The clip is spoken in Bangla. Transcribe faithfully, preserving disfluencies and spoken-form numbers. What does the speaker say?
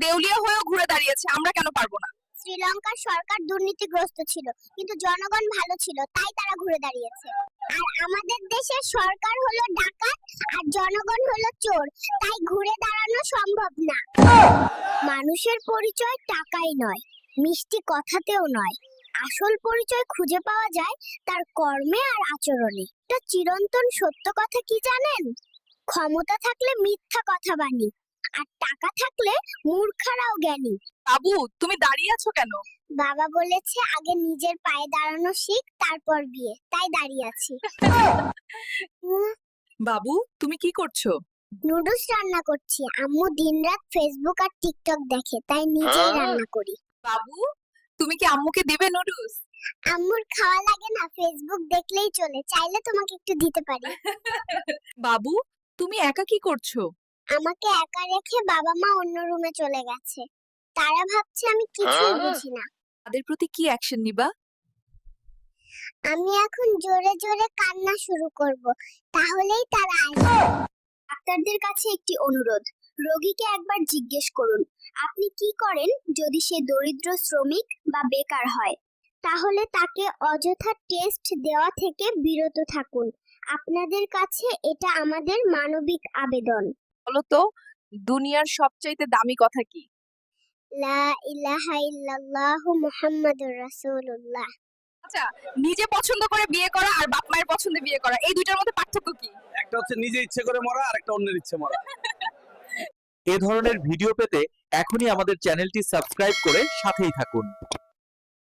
দেউলিয়া হয়েও ঘুরে দাঁড়িয়েছে, আমরা কেন পারবো না? শ্রীলঙ্কার সরকার দুর্নীতিগ্রস্ত ছিল, কিন্তু জনগণ ভালো ছিল, তাই তারা ঘুরে দাঁড়িয়েছে। আর আমাদের দেশের সরকার হলো ডাকাত আর জনগণ হলো চোর, তাই ঘুরে দাঁড়ানো সম্ভব না। মানুষের পরিচয় টাকাই নয়, মিষ্টি কথাতেও নয়, আসল পরিচয় খুঁজে পাওয়া যায় তার কর্মে আর আচরণে। এটা চিরন্তন সত্য কথা কি জানেন? ক্ষমতা থাকলে মিথ্যা কথা বানি, আর টাকা থাকলে মূর্খরাও জ্ঞানী। বাবু, তুমি দাঁড়িয়ে আছো কেন? বাবা বলেছে আগে নিজের পায়ে দাঁড়ানো শিখ, তারপর বিয়ে, তাই দাঁড়িয়ে আছি। বাবু, তুমি কি করছো? নুডলস রান্না করছি। আম্মু দিনরাত ফেসবুক আর টিকটক দেখে, তাই নিজেই রান্না করি। বাবু, তুমি কি আম্মুকে দেবে নুডলস? আম্মুর খাওয়া লাগে না, ফেসবুক দেখলেই চলে, চাইলে তোমাকে একটু দিতে পারি। বাবু, তুমি একা কি করছো? আমাকে একা রেখে বাবা মা অন্য রুমে চলে গেছে, তারা ভাবছে আমি কিছুই বুঝি না। তাদের প্রতি কি অ্যাকশন নিবা? আমি এখন জোরে জোরে কান্না শুরু করব, তাহলেই তারা আসবে। ডাক্তারদের কাছে একটি অনুরোধ, রোগীকে একবার জিজ্ঞেস করুন আপনি কি করেন। যদি সে দরিদ্র, শ্রমিক বা বেকার হয়, তাহলে তাকে অযথা টেস্ট দেওয়া থেকে বিরত থাকুন। আপনাদের কাছে এটা আমাদের মানবিক আবেদন। বলো তো, দুনিয়ার সবচাইতে দামি কথা কি? লা ইলাহা ইল্লাল্লাহু মুহাম্মাদুর রাসূলুল্লাহ। আচ্ছা, নিজে পছন্দ করে বিয়ে করা আর বাপ মায়ের পছন্দে বিয়ে করা, এই দুইটার মধ্যে পার্থক্য কি? একটা হচ্ছে নিজে ইচ্ছে করে মরা, আর একটা অন্যের ইচ্ছে মরা। এ ধরনের ভিডিও পেতে এখনই আমাদের চ্যানেলটি সাবস্ক্রাইব করে সাথেই থাকুন।